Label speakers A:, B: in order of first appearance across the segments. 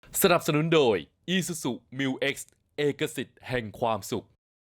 A: สนับสนุนโดย Isuzu Mu-X เอกสิทธิ์แห่งความสุข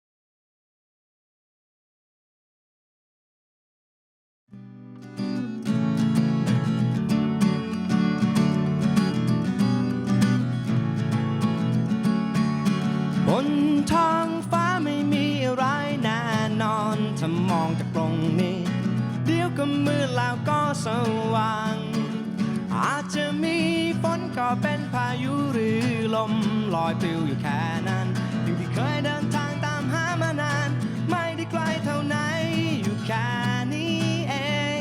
B: บนท้องฟ้าไม่มีอะไรแน่นอนถ้ามองจากตรงนี้เดี๋ยวก็มืดแล้วก็สว่างอาจจะมีฝนก็เป็นพายุหรือลมลอยปลิวอยู่แค่นั้นสิ่งที่เคยเดินทางตามหามานานไม่ได้ไกลเท่าไหนอยู่แค่นี้เอง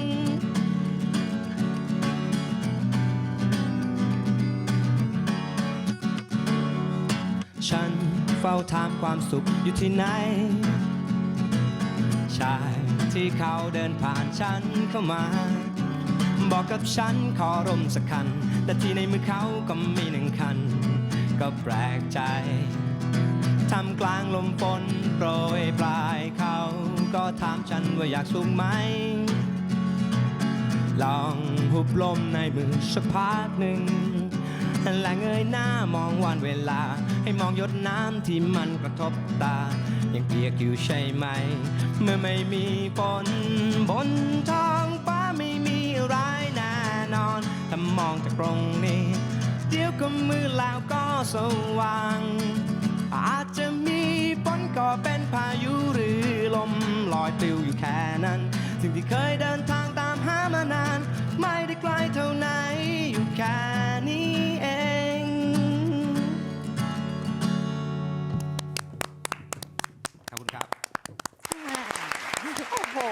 B: ฉันเฝ้าถามความสุขอยู่ที่ไหนชายที่เขาเดินผ่านฉันเข้ามาบอกกับฉันขอร่มสักคันแต่ที่ในมือเขาก็มีหนึ่งคันก็แปลกใจท่ามกลางลมฝนโปรยปลายเขาก็ถามฉันว่าอยากสูงไหมลองหุบลมในมือสักพักหนึ่งและเงยหน้ามองวันเวลาให้มองหยดน้ำที่มันกระทบตายังเปียกอยู่ใช่ไหมเมื่อไม่มีฝนบนท้องฟ้าไม่มีอะไรแน่นอนถ้ามองจากตรงนี้เดี๋ยวก็มืดแล้วก็สว่างอาจจะมีฝนก็เป็นพายุหรือลมลอยปลิวอยู่แค่นั้นสิ่งที่เคยเดินทางตามหามานานไม่ได้ไกลเท่าไหนอยู่แค่นี้เองขอบคุณครับ
C: โอ้โห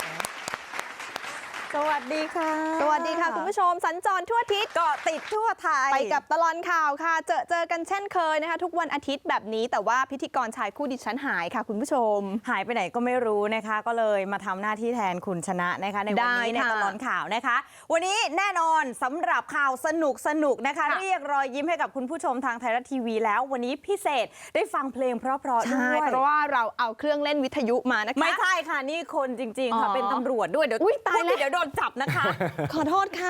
C: สวัสดีค่ะ
D: สวัสดีค่ะคุณผู้ชมสัญจรทั่วอาทิศ
C: เกาะติดทั่วไทย
D: ไปกับตลอดข่าวค่ะเจอกันเช่นเคยนะคะทุกวันอาทิตย์แบบนี้แต่ว่าพิธีกรชายคู่ดิฉันหายค่ะคุณผู้ชม
C: หายไปไหนก็ไม่รู้นะคะ ก็เลยมาทำหน้าที่แทนคุณชนะนะคะในวันนี้ใน
D: ได้ค่ะ
C: ตลอดข่าวนะคะ วันนี้แน่นอนสำหรับข่าวสนุกนะคะ
D: ค่ะ
C: เรียกรอยยิ้มให้กับคุณผู้ชมทางไทยรัฐทีวีแล้ววันนี้พิเศษได้ฟังเพลงเพราะๆด้
D: ใช่
C: วย
D: เพราะว่าเราเอาเครื่องเล่นวิทยุมานะคะ
C: ไม่ใช่ค่ะนี่คนจริงๆค่ะ
D: อ๋อ
C: เป็นตำรวจด้วยเดี๋ยว
D: อุ๊ยตายแล้ว
C: เดี๋ยวโดนจับนะคะ
D: ขอโทษค่ะ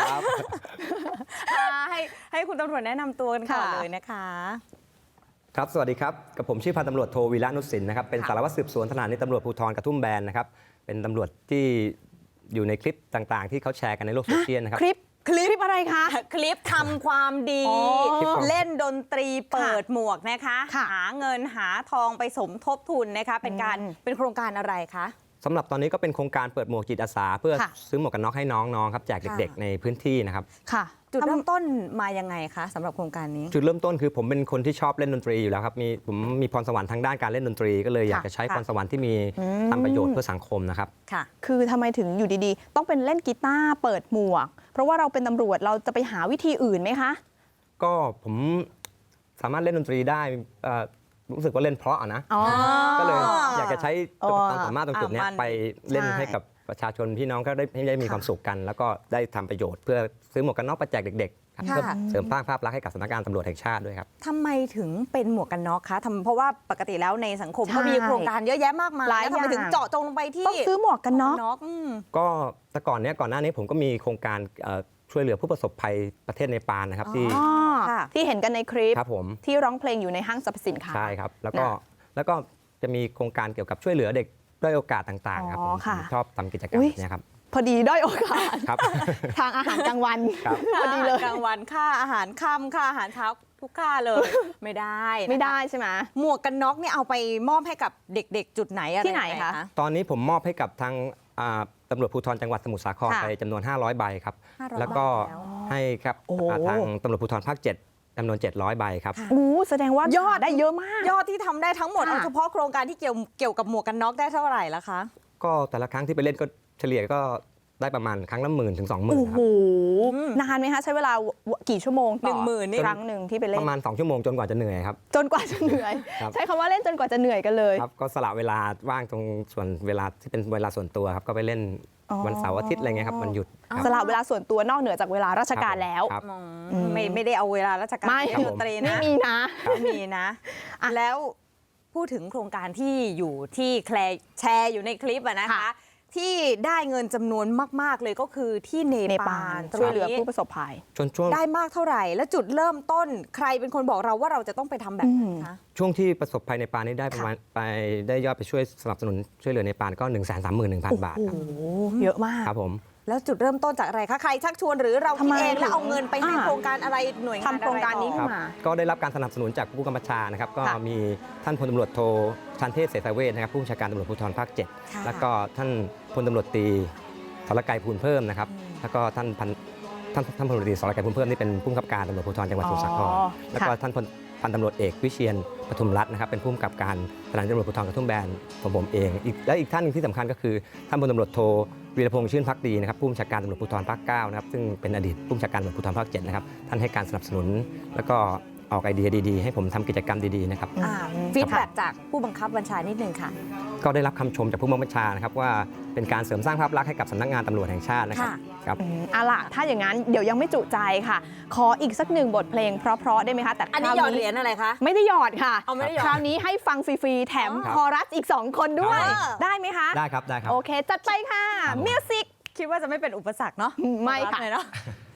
C: ให้คุณตำรวจแนะนำตัวกันก่อน
D: ค่ะ
C: เลยนะคะ
B: ครับ สวัสดีครับ กับผมชื่อพันตำรวจโทวีระนุสินนะครับ เป็น
C: ค่ะ
B: สารวัตรสืบสวนสถานีตำรวจภูธรกระทุ่มแบนนะครับ เป็นตำรวจที่อยู่ในคลิปต่างๆ ที่เขาแชร์กันในโลกโซเชียลนะครับ
D: คลิปอะไรคะ
C: คลิปทำความดี
D: อ๋อ
C: เล่นดนตรีเปิดหมวกนะคะ
D: ค่ะ
C: หาเงินหาทองไปสมทบทุนนะคะ เป็นโครงการอะไรคะ
B: สำหรับตอนนี้ก็เป็นโครงการเปิดหมวกจิตอาสา เพื่อ
D: ค่ะ
B: ซื้อหมวกกันน็อกให้น้องๆครับแจกเด็ก
C: ค่ะ
B: ๆ ในพื้นที่นะครับ
D: ค่ะ
C: จุดเริ่มต้นมายังไงคะสำหรับโครงการนี้
B: จุดเริ่มต้นคือผมเป็นคนที่ชอบเล่นดนตรีอยู่แล้วครับผมมีพรสวรรค์ทางด้านการเล่นดนตรี ก็เลยอยากจะใช้
C: ค่ะ
B: พรสวรรค์ที่มีทำประโยชน์เพื่อสังคมนะครับ
C: ค่ะ
D: คือทำไมถึงอยู่ดีๆ ต้องเป็นเล่นกีตาร์เปิดหมวก เพราะว่าเราเป็นตำรวจเราจะไปหาวิธีอื่นไหมคะ
B: ก็ผมสามารถเล่นดนตรีได้รู้สึกว่าเล่นเพราะนะ
D: อ๋อ
B: ก็เลยอยากจะใช้
D: อ๋อ
B: ความสามารถตรงจุดเนี้ย
C: มัน
B: ไปเล่น
D: ใช่
B: ให้กับประชาชนพี่น้องก็ได้มี
D: ค่ะ
B: ความสุขกัน แล้วก็ได้ทำประโยชน์เพื่อซื้อหมวกกันน็อกไปแจกเด็กๆครับ
C: ค่ะ
B: เพื่อเสริมสร้างภาพลักษณ์ให้กับสำนักงานตำรวจแห่งชาติด้วยครับ
C: ทำไมถึงเป็นหมวกกันน็อกคะเพราะว่าปกติแล้วในสังคม
D: ใช่
C: ก็มีโครงการเยอะแยะมากมาย
D: หลาย
C: แล้วทำไม
D: อย่าง
C: ถึงเจาะจงลงไปที่
D: ต้องซื้อหมวกกันน็อก
B: ก็แต่ก่อนหน้านี้ผมก็มีโครงการช่วยเหลือผู้ประสบภัยประเทศเนปาลนะครับที่
D: อ๋อ
C: ค่ะ
D: ที่เห็นกันในคลิป
B: ครับผม
D: ที่ร้องเพลงอยู่ในห้างสรรพสินค้า
B: ใช่ครับแล้วก็จะมีโครงการเกี่ยวกับช่วยเหลือเด็กด้อยโอกาสต่างๆครับ
D: อ๋อ
B: ผม
D: ค่ะ
B: ชอบทำกิจกรรม
D: อุ๊ย
B: เนี้ยครับ
D: พอดีด้อยโอกาส
B: ครับ
D: ทางอาหารกลางวัน
B: ครับ
D: พอดีเลย
C: กลางวันค่าอาหารค่ำค่าอาหารเช้าทุกค่าเลย ไม่ได้นะคะ
D: ไม่ได้ใช่ไหม
C: หมวกกันน็อกเนี่ยเอาไปมอบให้กับเด็กๆ จุดไหนอะไร
D: ที่ไหน
C: ยังง
D: คะ
B: ตอนนี้ผมมอบให้กับทางตำรวจภูธรจังหวัดสมุทรสาคร
C: ค่ะ
B: ไปจำนวน 500 ใบครับ
C: 500
B: แล้วก็
C: ใบแล้ว
B: ให้ครับ
D: โอ้โห
B: ทางตำรวจภูธรภาค 7จำนวน 700 ใบครับ
C: ค่ะ
D: อู้แสดงว่ายอดได้เยอะมาก
C: ยอดที่ทำได้ทั้งหมด
D: ค่ะ
C: เอาเฉพาะโครงการที่เกี่ยวกับหมวกกันน็อกได้เท่าไหร่ละคะ
B: ก็แต่ละครั้งที่ไปเล่นก็เฉลี่ยก็ได้ประมาณครั้งละ10,000 ถึง 20,000
D: โอ้
B: ค
D: โห
B: รับ
D: นานไหมคะ ใช้เวลากี่ชั่วโมงต่อ
C: 10,000นี่
D: ครั้งหนึ่งที่ไปเล่
B: ป
D: น
B: ระมาณ 2 ชั่วโมงจนกว่าจะเหนื่อยครับ
D: จนกว่าจะเหนื่อย
B: ครับ
D: ใช้คำว่าเล่นจนกว่าจะเหนื่อยกันเลย
B: ครับก็สละเวลาว่างตรงส่วนเวลาที่เป็นเวลาส่วนตัวครับก็ไปเล่น
D: อ๋อ
B: วันเสาร์อาทิตย์อะไรเงี้ยครับวันหยุดครับ
D: สละเวลาส่วนตัวนอกเหนือจากเวลาราชการแล้ว
B: ครับ
C: ไม่ได้เอาเวลาราชการ
D: ไม่
C: เล่นดนตรี
D: ไม่
C: นะ
D: มีนะ
C: ไม่มีนะ แล้วพูดถึงโครงการที่อยู่ที่แชร์อยู่ในคลิปอะนะคะ
D: ค่ะ
C: ที่ได้เงินจำนวนมากๆเลยก็คือที่เน
D: เน
C: ปา
D: ปา
C: ล
D: ลช่วยเหลือผู้ประสบภัย
B: ช่วง
C: ได้มากเท่าไหร่ และจุดเริ่มต้นใครเป็นคนบอกเราว่าเราจะต้องไปทำแบบนั้นคะ
B: ช่วงที่ประสบภัยในปานนี้ได้ประมาณได้ยอดไปช่วยสนับสนุนช่วยเหลือในปานก็ 131,000 บาทครับ
D: โอ้โหเยอะมาก
B: ครับผม
C: แล้วจุดเริ่มต้นจากอะไรคะใครชักชวนหรือเราคิดเองแล้วเอาเงินไปให้โครงการอะไรหน่วยงาน
D: ทำโครงการนี้
C: อะ
D: ขึ้
C: ไต่อ
D: นมา
B: ก็ได้รับการสนับสนุนจากผู้กำกับการนะครับก็
C: ค่ะ
B: มีท่านพลตำรวจโทชันเทพเสษเวชนะครับผู้บัญชาการตำรวจภูธรภาค
C: ค่ะ
B: 7แล้วก็ท่านพลตำรวจตรีสรกัยภูลเพิ่มนะครับแล้วก็ท่านพลตำรวจตรีสรกัยภูลเพิ่มนี่เป็นผู้กำกับการตำรวจภูธรจังหวัดสมุทรสาคร
D: อ๋อ
B: แล้วก็
D: ค่ะ
B: ท่านพันตำรวจเอกวิเชียนปทุมรัตน์นะครับเป็นผู้กำกับการสถานีตำรวจภูธรกระทุ่มแบนของผมเองและอีกท่านหนึงที่สำคัญก็คือท่านพลตำรวจโทวีรพงษ์ชื่นภักดีนะครับผู้บัญชาการตำรวจภูธรภาค 9นะครับซึ่งเป็นอดีตผู้บัญชาการตำรวจภูธรภาค 7นะครับท่านให้การสนับสนุนแล้วก็ออกไอเดียดีๆให้ผมทำกิจกรรมดีๆนะครับ
C: ฟีดแบ็กจากผู้บังคับบัญชานิดนึงค่ะ
B: ก็ได้รับคำชมจากผู้บังคับบัญชานะครับว่าเป็นการเสริมสร้างภาพลักษณ์ให้กับสำนักงานตำรวจแห่งชาตินะครับ
C: ค่ะ
B: ครับ
D: เอาล่ะถ้าอย่างนั้นเดี๋ยวยังไม่จุใจค่ะ ขออีกสักหนึ่งบทเพลงเพราะๆได้ไหมคะแต่
C: อันนี้หยอดเหรียญอะไรคะ
D: ไม่ได้หยอดค่ะ
C: เอาไม่ได้หยอด
D: คราวนี้ให้ฟังฟรีๆแถม
B: ครับ
D: คอรัสอีก 2 คนด้วย
C: ครับ
D: ได้ไหมคะ
B: ได้ครับได้ครับ
D: โอเค จัดไปค่ะ
B: ครับผม
D: มิวสิก
C: คิดว่าจะไม่เป็นอุปสรรคเนาะ
D: ไม่ค่ะ
C: เลยเนาะ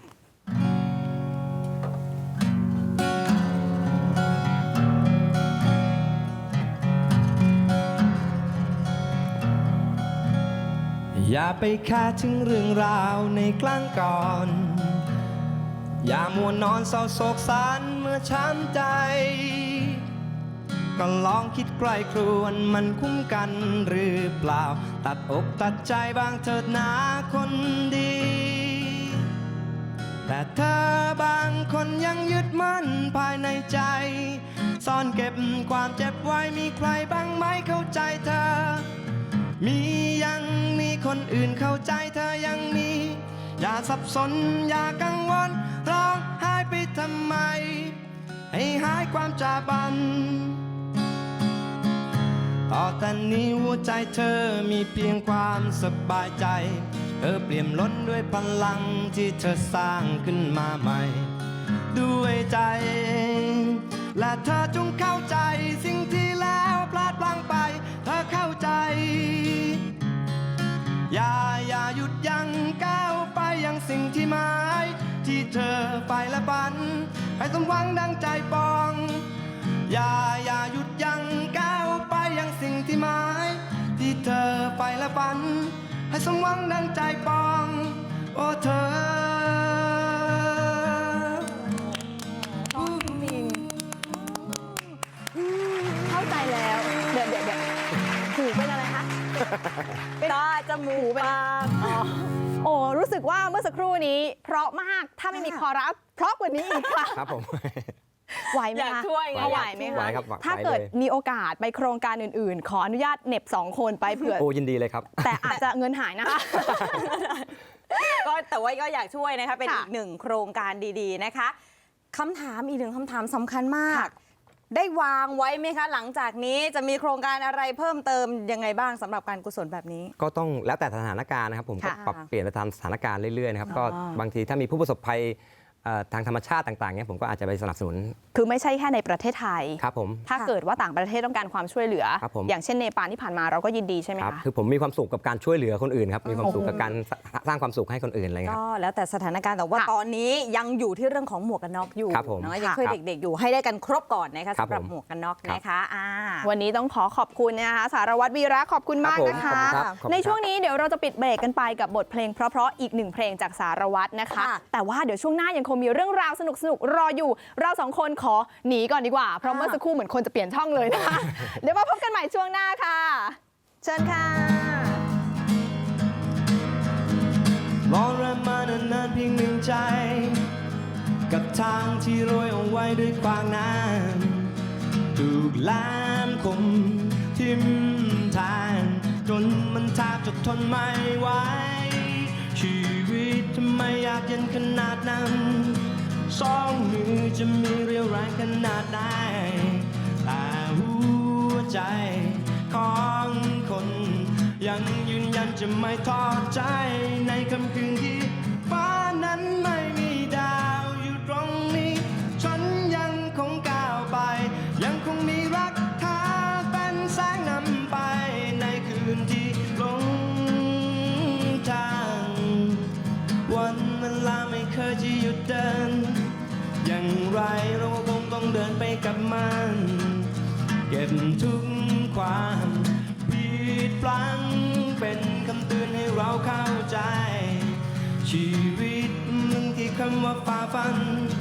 B: อย่าไปแค่ถึงเรื่องราวในกลางก่อน อย่ามัวนอนเศร้าโศกสันเมื่อช้ำใจ ก็ลองคิดใกล้ครวนมันคุ้มกันหรือเปล่า ตัดอกตัดใจบางเถิดนาคนดี แต่เธอบางคนยังยึดมั่นภายในใจ ซ่อนเก็บความเจ็บไว้มีใครบ้างไหมเข้าใจเธอ ยังมีคนอื่นเข้าใจเธอยังมี อย่าสับสนอย่ากังวลร้องไห้ไปทำไม ให้หายความจาบัน ต่อแต่นี้หัวใจเธอมีเพียงความสบายใจเธอเปลี่ยมล้นด้วยพลังที่เธอสร้างขึ้นมาใหม่ ด้วยใจ และเธอจงเข้าใจสิ่งที่แล้วพลาดพลั้งไป เธอเข้าใจ อย่าหยุดยั้งก้าวไปยังสิ่งที่หมายที่เธอไปและฝันให้สมหวังดังใจปอง อย่าหยุดยั้งก้าวไปยังสิ่งที่หมายที่เธอไปและฝันให้สมหวังดังใจปอง โอ้เธอ
D: เข้าใจแล้ว เดี๋ยวหูเป็นอะไรคะ
C: ตาจมูกปาก
D: โอ้รู้สึกว่าเมื่อสักครู่นี้ เพราะมากถ้าไม่มีคอรัสเพราะกว่านี้อีกค่ะ
B: ครับผม
D: ไหวไหม
C: อยาก
D: คะ
C: ช่วยไง
D: ไหวไหม
B: ไหว
D: คะ
B: ครับไหว
D: ถ้าเกิด
B: เลย
D: มีโอกาสไปโครงการอื่นๆ ขออนุญาตเหน็บ2 คนไปเผื่อ
B: โอ้ยินดีเลยครับ
D: แต่อาจจะเงินหายนะคะ
C: ก็แต่ว่าก็อยากช่วยนะคะเป็น
D: ค่ะ
C: อีกหนึ่งโครงการดีๆนะคะคำถามอีกหนึ่งคำถามสำคัญมาก
D: ค่ะ
C: ได้วางไว้ไหมคะ หลังจากนี้จะมีโครงการอะไรเพิ่มเติมยังไงบ้างสำหรับการกุศลแบบนี้
B: ก็ต้องแล้วแต่สถานการณ์นะครับผมก็
C: ค่ะ
B: ปรับเปลี่ยนไปตามสถานการณ์เรื่อยๆนะครับ
C: อ๋อ
B: ก็บางทีถ้ามีผู้ประสบภัยทางธรรมชาติต่างๆเนี่ยผมก็อาจจะไปสนับสนุน
D: คือไม่ใช่แค่ในประเทศไทย
B: ครับผม
D: ถ้าเกิดว่าต่างประเทศต้องการความช่วยเหลือ
B: ครับผม
D: อย่างเช่นเนปาลที่ผ่านมาเราก็ยินดีใช่ไหม
B: ครับ
D: คะ
B: คือผมมีความสุขกับการช่วยเหลือคนอื่นครับมีความสุขกับการสร้างความสุขให้คนอื่นอะไรเงี้ยค
C: ก็
B: รับ
C: แล้วแต่สถานการณ์แต่ว่า
D: ค่ะ
C: ตอนนี้ยังอยู่ที่เรื่องของหมวกกันน็อกอยู่
B: ครับผม
C: เนาะยังช่วย
B: ครับ
C: เด็กๆอยู่ให้ได้กันครบก่อนนะคะ
B: ครับ
C: สำหรับ
B: ผม
C: หมวกกันน็อก
B: ครับ
C: นะคะ
D: วันนี้ต้องขอบคุณนะคะสารวัตรวีระขอบคุณมาก
B: ครับผม
D: นะคะ
B: ขอบคุณครับขอบคุณครับ
D: ในช่วงนี้เดี๋ยวเราจะปิดเบรกกันไปกับบทเพลงเพราะๆอีกหนึ่งเพลงจากสารวัตรนะคะ
C: ค่ะ
D: แต่ว่าเดี๋ยวช่วงหน้ายังคงมีเรื่องราวสนุกๆรออยู่ เราสองคนขอหนีก่อนดีกว่า เพราะเมื่อสักครู่เหมือนคนจะเปลี่ยนช่องเลยนะคะ เดี๋ยวมาพบกันใหม่ช่วงหน้าค่ะ เชิญค่ะ
B: มองเริ่มมานานๆเพียงหนึ่งใจ กับทางที่โรยเอาไว้ด้วยขวางน้ำถูกแหลมคมทิ่มแทงจนมันแทบจะทนไม่ไหวชีวิตทำไมอยากเย็นขนาดนั้นสองมือจะมีเรี่ยวแรงขนาดไหนแต่หัวใจของคนยังยืนยันจะไม่ทอดใจในค่ำคืนที่ฟ้านั้นไม่มีดาวอยู่ตรงนี้ฉันยังคงก้าวไปยังคงมีรักเธอเป็นแสงนำไปในคืนที่ลงวันเวลาไม่เคยจะหยุดเดินอย่างไรเราคงต้องเดินไปกับมันเก็บทุกความผิดพลั้งเป็นคำเตือนให้เราเข้าใจชีวิตมึงที่คำว่าฝ่าฟัน